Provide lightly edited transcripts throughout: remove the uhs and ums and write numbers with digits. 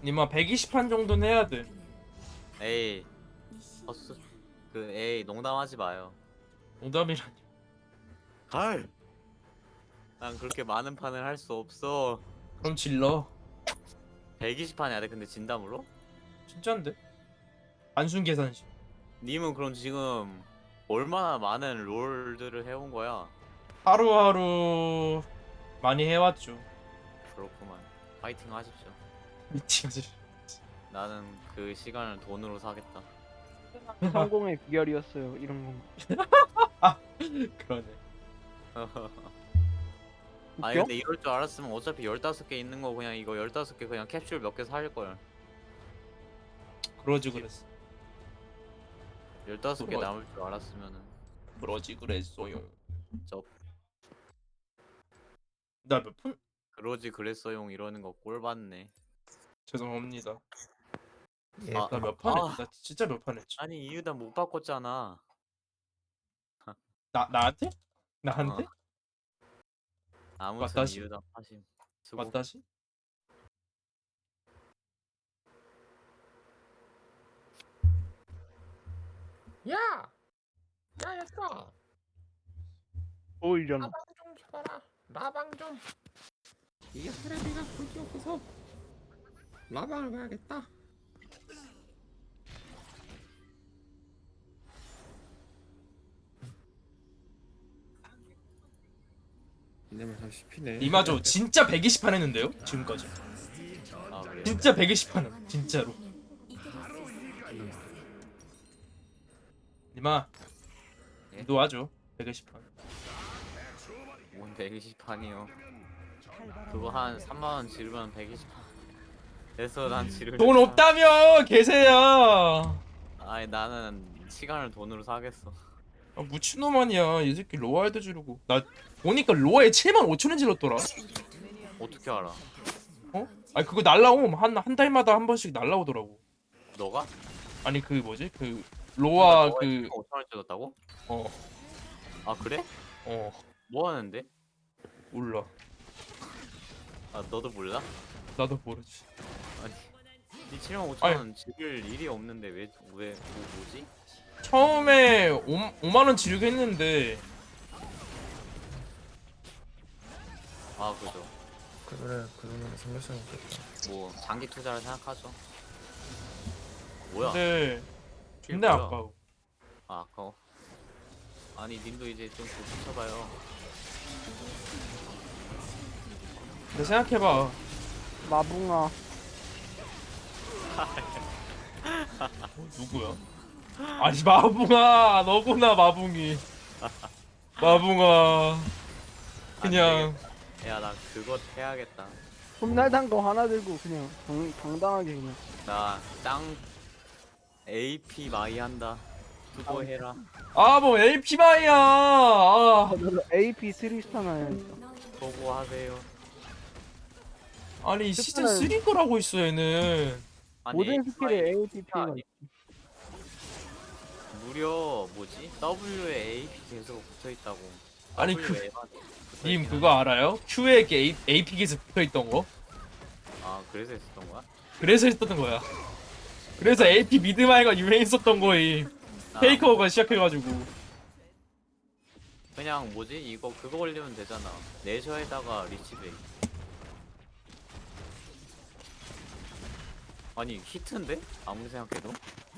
니마 120판 정도는 해야 돼. 에이 헛수 에이 농담하지 마요. 농담이라니. 갈. 난 그렇게 많은 판을 할 수 없어. 그럼 질러. 120판 해야 돼. 근데 진담으로? 진짠데? 단순 계산식. 님은 그럼 지금 얼마나 많은 롤들을 해온 거야? 하루하루 많이 해왔죠. 그렇구만. 파이팅 하십시오. 미치겠지. 나는 그 시간을 돈으로 사겠다. 성공의 비결이었어요. 이런 건. 그러네. 아니 웃겨? 근데 이럴 줄 알았으면 어차피 15개 있는 거 그냥 이거 15개 그냥 캡슐 몇 개 살걸. 그러지 그랬어. 15개 그거- 남을 줄 알았으면은 그러지 그랬어요. 저 나 몇 푼? 그러지 그랬어용 이러는 거 꼴받네. 죄송합니다. 예, 아, 나 몇 판 아. 했지? 나 진짜 몇 판 했지? 아니 이유단 못 바꿨잖아. 나한테? 나한테? 어. 아무튼 맞다시? 이유단 하심. 수고. 맞다시? 야! 야, 얘들아! 보이려나? 라방 좀 켜봐라. 라방 좀. 이게 테레비가 볼게 없어서 라방을 봐야겠다. 이내면 참 씹히네. 이마저 진짜 120판 했는데요? 지금까지. 아 그래. 진짜 120판은 진짜로. 니마 예? 도와줘. 120판. 뭔 120판이요. 그거 한 3만 원 지르면 120판. 그래서 난 지르. 돈 없다며 계세요. 아니 나는 시간을 돈으로 사겠어. 아, 미친놈 아니야. 이 새끼 로아에도 지르고. 나 보니까 로아에 75,000원 질렀더라. 어떻게 알아? 어? 아니 그거 날라옴. 한 달마다 한 번씩 날라오더라고. 너가? 아니 그 뭐지? 그 로아 너가 그 5천원 뜯었다고? 어. 아 그래? 어. 뭐 하는데? 몰라. 아 너도 몰라? 나도 모르지. 아니 이 7만 5천원 지를 일이 없는데 왜 뭐지? 처음에 5만 원 지르게 했는데 아 그죠. 그래, 그러면 생각성이 있겠다. 뭐 장기 투자를 생각하죠. 뭐야? 근데 이게 존나 뭐야? 아까워. 아 아까워. 아니 님도 이제 좀 붙여봐요. 근데 생각해봐. 마붕아. 누구야? 아니 마붕아 너구나 마붕이. 마붕아 그냥 야나 그거 해야겠다. 홈날단 거 하나 들고 그냥 당당하게 그냥. 나 짱 AP 마이 한다. 수고해라. 아 뭐 LP마이야. 아, 나도 AP 3스타나 해야겠다. 수고하세요. 아니 시즌 스타는- 3 거라고 있어 얘는. 아니 모든 AP 스킬에 마이 APP가 아니, 무려 뭐지? W에 AP 계속 붙어 있다고. 아니, 님 님 그거 알아요? Q에 AP 기스 붙어있던 거? 아 그래서 했었던 거야? 그래서 했었던 거야. 그래서 AP 미드마이가 유행했었던 거임. 나 페이커가 시작해가지고. 그냥 뭐지? 이거 그거 걸리면 되잖아. 내셔에다가 리치베이. 아니 히트인데? 아무리 생각해도.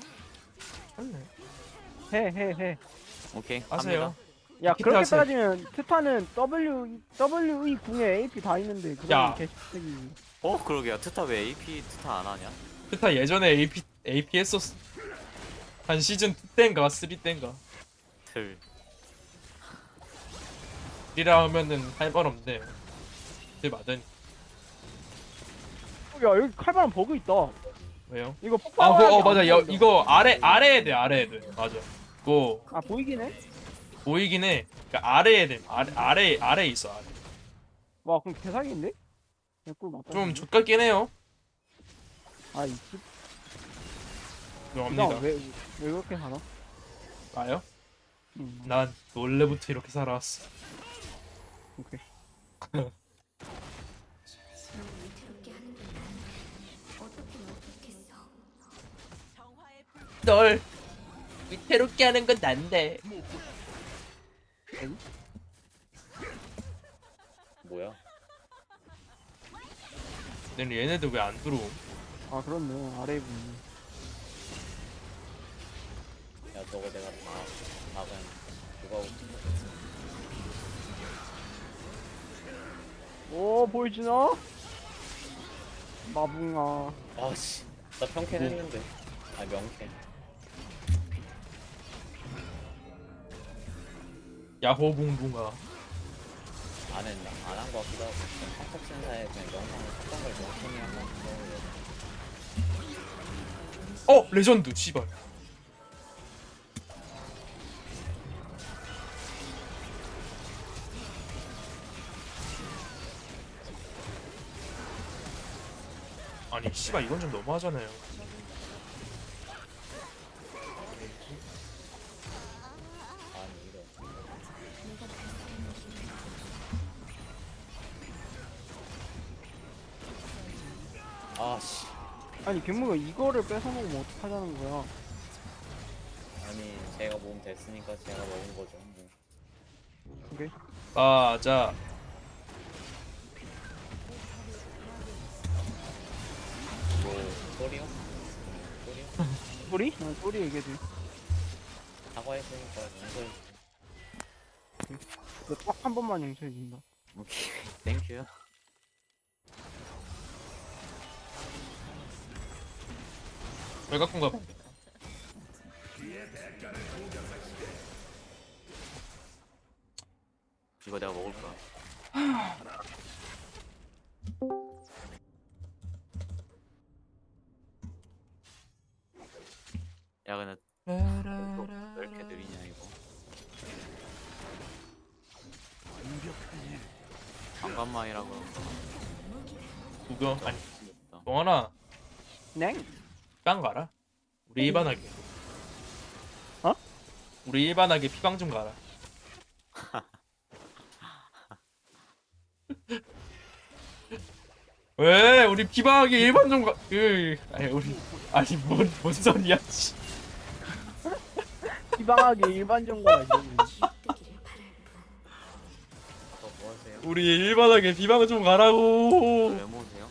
해. 오케이 아세요? 합니다. 야 기타 그렇게 하세요. 따지면 트타는 WE 궁에 AP 다 있는데 야. 그건 개새끼. 어 그러게요. 트타 왜 AP 트타 안 하냐? 그타 예전에 AP 했었어. 한 시즌 2 땐가 3 땐가. 틀. 이라 하면은 할 말 없네. 들 맞으니. 야 여기 칼바람 버그 있다. 왜요? 이거 아, 폭발. 그거 맞아. 이거 아래에 돼, 아래에 돼. 맞아. 그거 아 보이긴 해? 보이긴 해. 그러니까 아래에 돼. 아래에 있어. 아래. 와 그럼 개사기인데? 개꿀 맞다. 좀 족같긴 해요. 아이 씨. 죄송합니다. 왜 그렇게 살아? 나요? 응. 난 원래부터 이렇게 살아왔어. 오케이. 사람을 괴롭게 하는 건 어떻게 널 위태롭게 하는 건 난데. 뭐야? 근데 얘네들 왜 안 들어옴? 아 그렇네 아래 분. 야 저거 내가 다 그냥 누가 오고 오 보여주나? 마붕아. 아씨 나 평캔 했는데 아 명캔 야호붕붕아. 안 했나? 안 한 거 같기도 하고 그냥 팝업 센사에 그냥 영상을 샀던 걸 명캔이 한번 넣으려고 레전드 씨발. 아니 씨발 이건 좀 너무하잖아요. 아니 이래 아씨 아니 괴물가 이거를 뺏어먹으면 어떡하자는 거야. 아니 제가 몸 됐으니까 제가 먹은 거죠 뭐. 그게 맞아. 뭐 소리요? 소리요? 소리? 소리 얘기해줘. 사과했으니까 용서해 너딱 한 번만 용서해준다. 오케이 땡큐 외곽군가 봐. 이거 내가 먹을 거야 야 근데 왜 이렇게 느리냐 이거 잠깐만이라 그런가 구경 아니 없다. 동원아 냉? 깡 가라. 우리 일반하게. 어? 우리 일반하게 피방 좀 가라. 왜 우리 피방하게 일반 좀 가. 아니 우리 아니 뭔 소리야. 씨. 희방하게 일반전과 이거는. 뭐 하세요? 우리 일반하게 피방 좀 가라고. 왜 모으세요?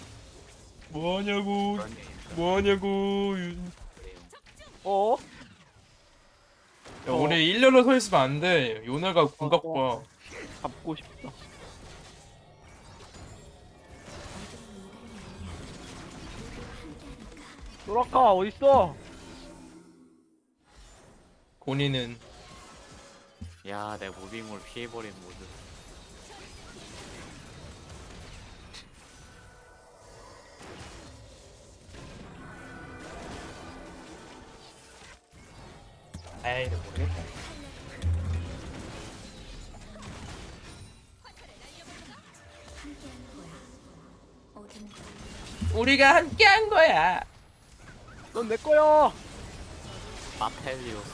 뭐하냐고. 그런 게 있어요. 뭐하냐고. 그래요. 어? 야, 우리 일렬로 서 있으면 안 돼. 요네가 궁각 봐. 잡고 싶다. 노라카 어딨어? 고니는 야, 내 무빙을 피해버린 모드. 에이 모르겠다. 우리가 함께한 거야. 넌 내 거야. 마펠리오스.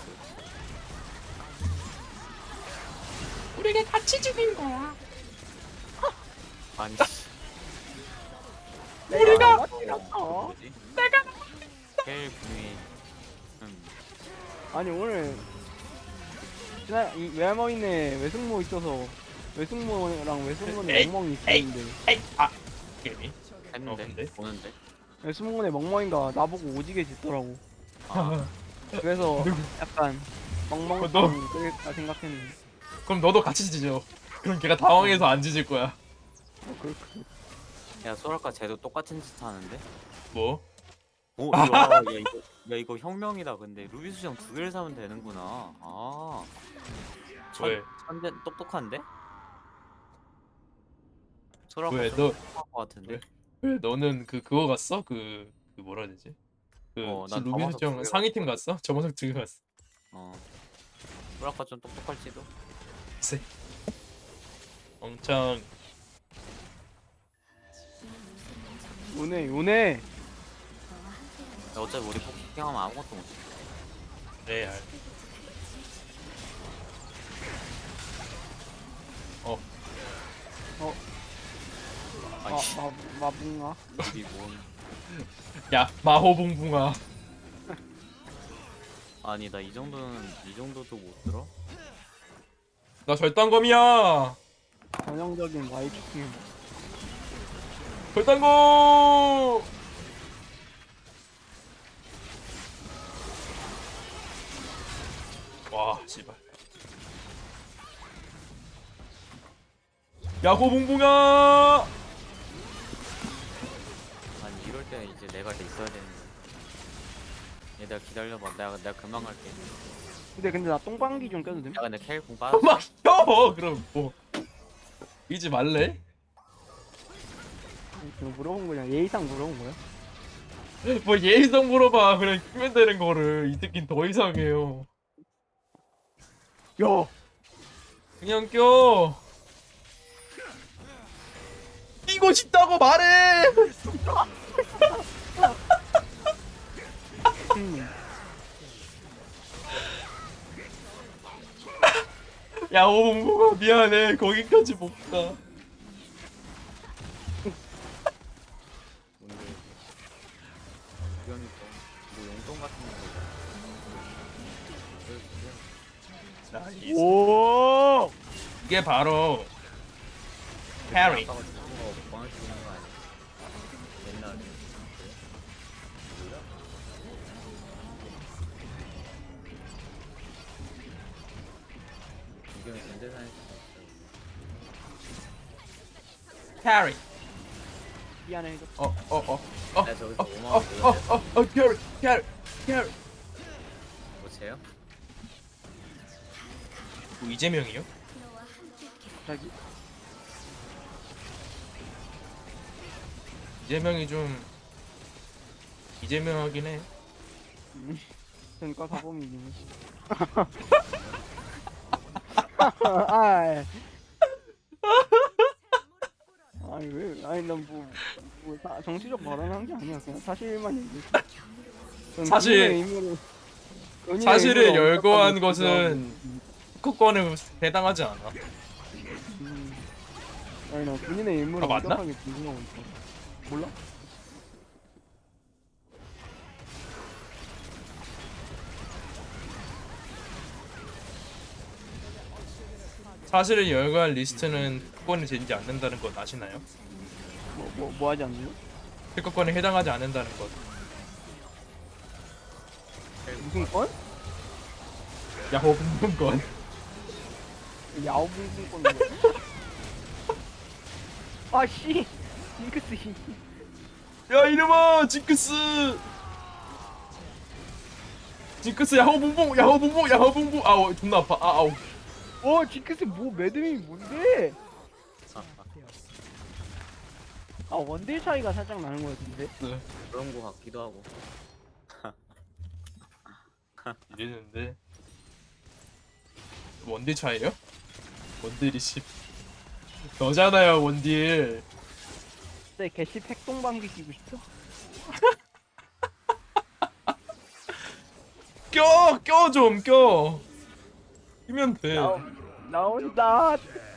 우리가 같이 죽인 거야. 아니, 우리가 어? 뭐지? 내가 헬 분이. 아니 오늘 지난 이 외할머니네 외숙모 있어서 외숙모랑 외숙모네 에이, 멍멍이 에이. 있었는데 에이 게임이 했는데? 근데? 보는데? 외숙모네 멍멍이가 나보고 오지게 짖더라고. 아, 그래서 약간 멍멍 너- 되겠다 생각했는데. 그럼 너도 같이 짖어. 그럼 걔가 당황해서 안 짖을 거야. 야, 소라카 쟤도 똑같은 짓 하는데? 뭐? 오, 야, 이거 혁명이다. 근데 루비 수정 2개를 사면 되는구나. 아. 왜? 천재 똑똑한데? 소라카 왜? 좀 너 똑똑한 것 같은데? 왜 너는 그거 갔어? 그 뭐라 해야 되지? 그 난 루비 저만석 수정 두 개 상위팀 갔어? 저번석 두개 갔어. 어. 소라카 좀 똑똑할지도? 글쎄. 엄청 요네 야, 어차피 우리 포킹하면 아무것도 못해. 레알. 아니, 마붕아. 우리 뭔. 야 마호붕붕아. 아니 나 이 정도도 못 들어? 나 절단검이야. 전형적인 Y축. 절단검. 와 씨발. 야호 붕붕아. 아니 이럴 때 이제 내가 돼 있어야 되는데. 얘들아 기다려봐. 내가 금방 갈게. 근데 나 똥방귀 좀 껴도 됨? 야 근데 켈공 빠졌어. 막혀. 그럼 뭐 이지 말래? 이거 물어본 거냐? 예의상 물어본 거야? 뭐 예의상 물어봐. 그냥 끼면 되는 거를 이 새끼는 더 이상해요. 야! 그냥 껴. 끼고 싶다고 말해. 야 오봉봉아 미안해. 거기까지 못 가. 뭔데? 그러니까 뭐 용돈 같은 거. 나이스. 오! 이게 바로 캐리. 아빠가 주는 거 먹방을 주는 거 아니야? 옛날에. 뭐야? 이경이 전재산에서 캐리. 미안해. 나 저기서 5만 원 보여줘. 캐리. 뭐세요? 뭐 이재명이요? 자기. 이재명이 좀 이재명하긴 해. 그러니까 사범이긴 아, 아니 왜? 아니 난뭐 정치적 발언한 게 아니야. 그냥 사실만 얘기했어. 전 사실- 본인의 의무를- 본인의 사실을 의무를 열거한 엄격하게 것은 특허권에 해당하지 않아. 아니 나 본인의 의무를 아, 맞나? 엄격하게 준수하고 있어. 몰라? 사실을 열거한 리스트는 특허권이 되지 않는다는 것 아시나요? 뭐 하지 않나요? 특허권에 해당하지 않는다는 것. 무슨 건? 야호 분분권. 야오붕붕 건. 아씨, 징크스 씨. 야 이놈아 징크스. 징크스 야호 분분. 아우 존나 아파. 아우. 오, 징크스 뭐 매듭이 뭔데? 아 원딜 차이가 살짝 나는 거 같은데. 그런 거 같기도 하고. 이랬는데 원딜 차이요? 원딜이 10 너잖아요 원딜. 네, 개씨 핵동방귀 끼고 싶어? 껴 좀 껴. 끼면 돼. 나온다.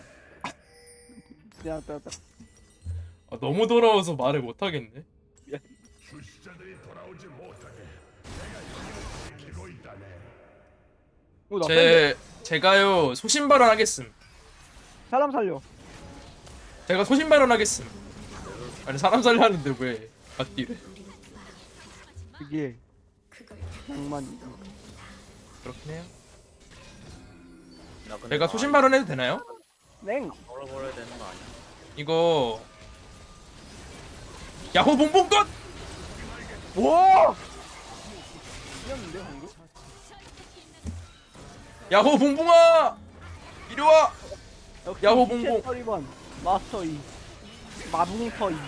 야, 아, 너무 돌아와서 말을 못 하겠네. 오, 나 뺀다. 제가요 소신 발언하겠음. 사람 살려. 제가 소신 발언하겠음. 아니 사람 살려하는데 왜 맞디래? 그게 낭만이. 그렇긴 해요. 나 근데 제가 소신 발언해도 되나요? 냉. 걸어버려야 되는 거 아니야? 이거 야호 봉봉권. 와! 이겼는데 방금? 야호 봉봉아 이리 와. 역시 야호 미셸 봉봉. 서리번 마스터 이 마붕터 이.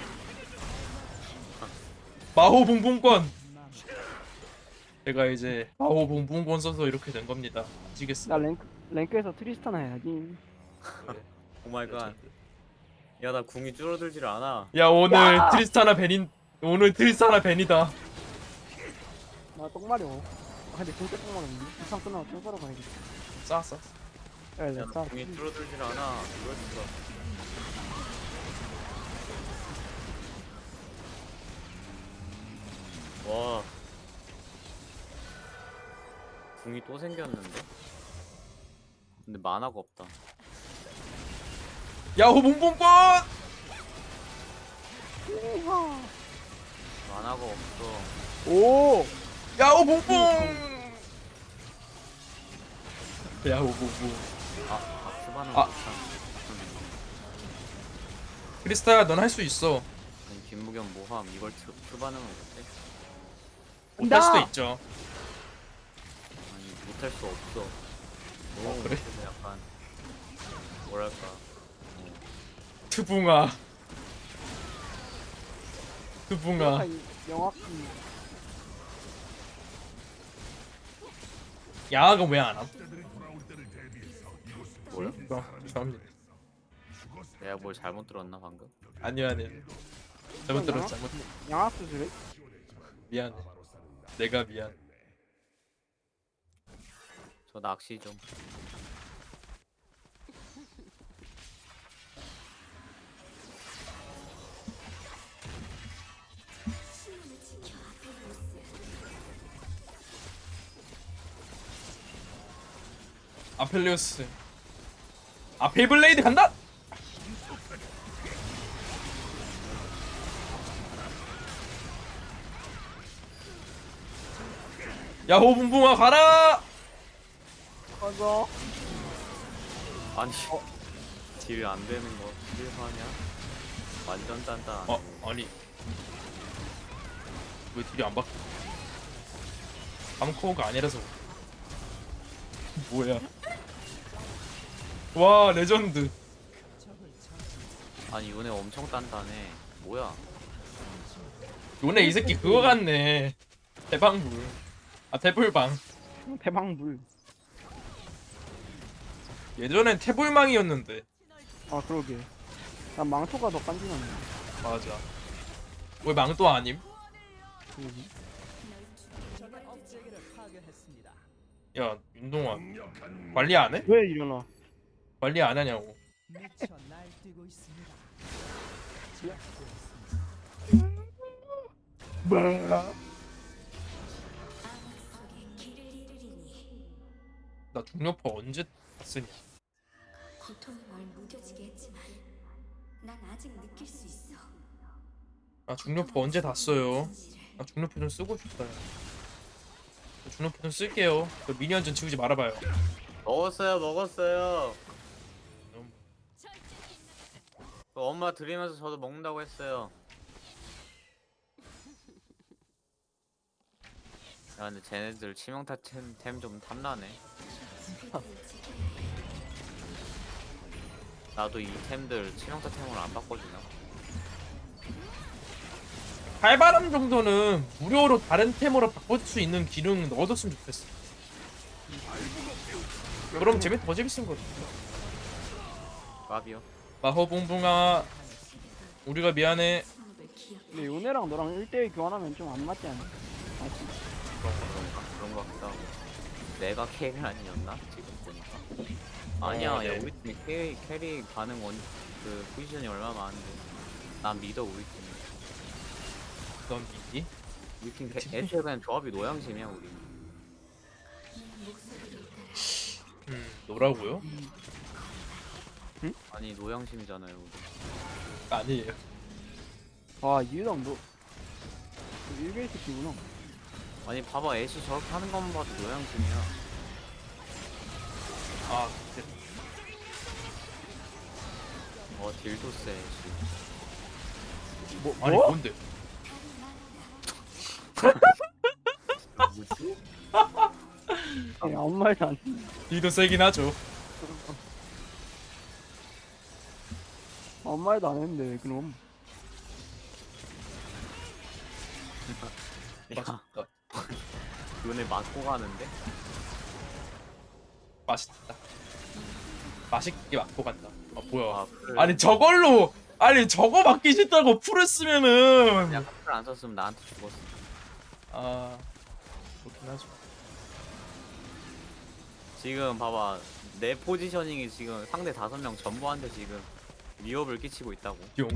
마호 봉봉권. 제가 이제 마호 봉봉권 써서 이렇게 된 겁니다. 아시겠어요? 나 랭크에서 트리스타나 해야지. 오마이갓. 야 나 궁이 줄어들질 않아. 야 오늘 트리스타나 벤이다. 나 똥마려. 아 근데 진짜 똥마렸는데? 이상 끝나고 똥 사러 가야겠다. 쌌어. 야, 야 나 나 궁이 줄어들질 않아. 이럴 수가. 와. 궁이 또 생겼는데. 근데 만화가 없다. 야호 봉봉권. 만화가 없어. 오! 야호 봉봉. 야호 봉봉. 큐바는 아. 못한. 크리스타야 넌 할 수 있어. 아니 김무겸 모함 이걸 큐바는 못해? 못할 수도 나! 있죠. 아니 못할 수 없어. 그래? 그래서 약간 뭐랄까. 트붕아. 트붕아. 명확히 야가 왜 안 함? 뭐야? 죄송합니다. 내가 뭘 잘못 들었나 방금? 아니야 아니야. 잘못 들었어 잘못. 양악 수술해? 미안해. 내가 미안. 저 낚시 좀. 아펠리오스. 아펠블레이드 간다. 야호 붕붕아 가라. 맞아. 아니 딜 안 되는 거 실화냐? 완전 단단. 아니 왜 딜이 안 바뀌어? 암코어가 아니라서. 뭐야? 와 레전드. 아니 요네 엄청 단단해. 뭐야? 요네 이 새끼 그거 같네. 대방불. 아 태불방. 대방불. 예전엔 태불망이었는데. 아 그러게. 난 망토가 더 깐지나네. 맞아. 왜 망도 아님? 그러게. 야 윤동아 관리 안 해? 왜 일어나? 관리 안 하냐고. 뭐야? 나 중력파 언제 쓰니? 고통이 널 무뎌지게 했지만 난 아직 느낄 수 있어. 나 중력파 언제 다 써요? 나 중력파 좀 쓰고 싶어요. 저 중력파 좀 쓸게요. 저 미니언 좀 지우지 말아봐요. 먹었어요. 그 엄마 드리면서 저도 먹는다고 했어요. 야 근데 쟤네들 치명타 템 좀 탐나네. 나도 이 템들 치명타 템으로 안 바꿔주나? 칼바람 정도는 무료로 다른 템으로 바꿀 수 있는 기능 넣어뒀으면 좋겠어. 그럼 더 재밌은 거지. 까비요. 마호봉봉아 우리가 미안해. 근데 요네랑 너랑 1대1 교환하면 좀 안 맞지 않아? 맞지? 그런 거 같기도 하고. 내가 캐리 아니었나? 지금 보니까. 아니야, 네. 야 우리 팀 캐리 가능 그 포지션이 얼마 많은데. 난 믿어 우리 팀. 넌 믿니? 우리 팀 애초에 그냥 조합이 노양심이야 우리. 너라고요? 아니 노양심이잖아요 우리. 아니에요. 아 이유당 너 일베이 새끼구나. 아니 봐봐 애쉬 저렇게 하는 것만 봐도 노양심이야. 아 근데 딜도 세 애쉬. 아니 뭐? 뭔데? 뭐지? 아니 아무 말도 안 해. 니도 세긴 하죠. 아무 말도 안 했는데 그럼. 야 맛있다. 눈에 맞고 가는데? 맛있다. 맛있게 맞고 간다. 아 뭐야? 아, 풀. 아니 저걸로 아니 저거 맞기 싫다고 풀을 쓰면은 야 풀 안 썼으면 나한테 죽었어. 아 그렇긴 하죠. 지금 봐봐 내 포지셔닝이 지금 상대 5명 전부한테 지금 위협을 끼치고 있다고. 용.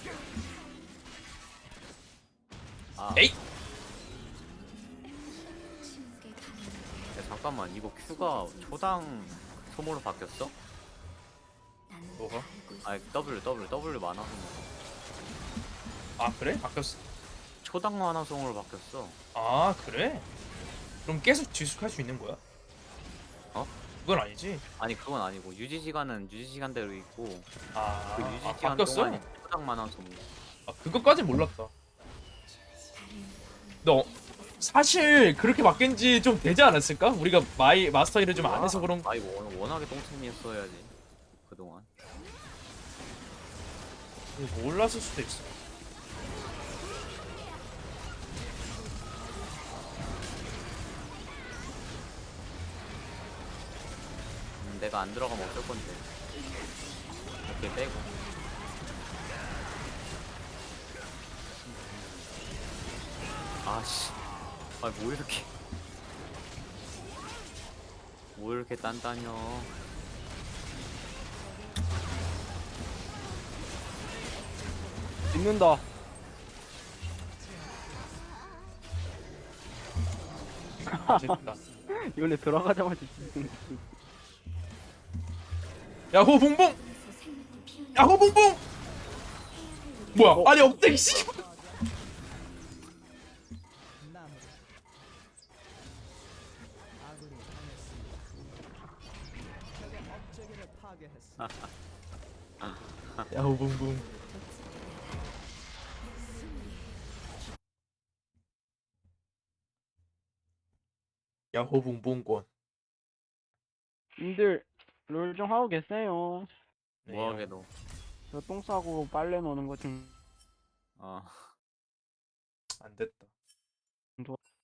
아, 에이. 이거 Q가 초당 소모로 바뀌었어? 나는 뭐가? 알고 있어. 아니 W 만화 소모. 아 그래? 바뀌었어. 초당 만화 소모로 바뀌었어. 아 그래? 그럼 계속 지속할 수 있는 거야? 어? 그건 아니지. 아니 그건 아니고 유지 시간은 유지 시간대로 있고 아, 그 유지 아 시간 바뀌었어? 동안에 초당 만화 소모. 아 그것까진 몰랐다. 너 사실 그렇게 바뀐 지 좀 되지 않았을까? 우리가 마스터 일을 좀 안 해서 그런 거. 아이 워낙에 똥챔이었어야지 그동안. 몰랐을 수도 있어. 내가 안 들어가면 어쩔 건데. 이렇게 빼고. 아씨. 아 뭐 이렇게. 뭐 이렇게 단단혀. 믿는다. 됐다. 이번에 들어가자마자 죽는 야호 봉봉! 야호 봉봉! 뭐야? 아니 업데이 씨. 야호 봉봉. 야호 봉봉권. 님들 롤 좀 하고 계세요. 뭐하게 너. 저 똥 싸고 빨래 노는 거 좀 어. 안 됐다. 좋아.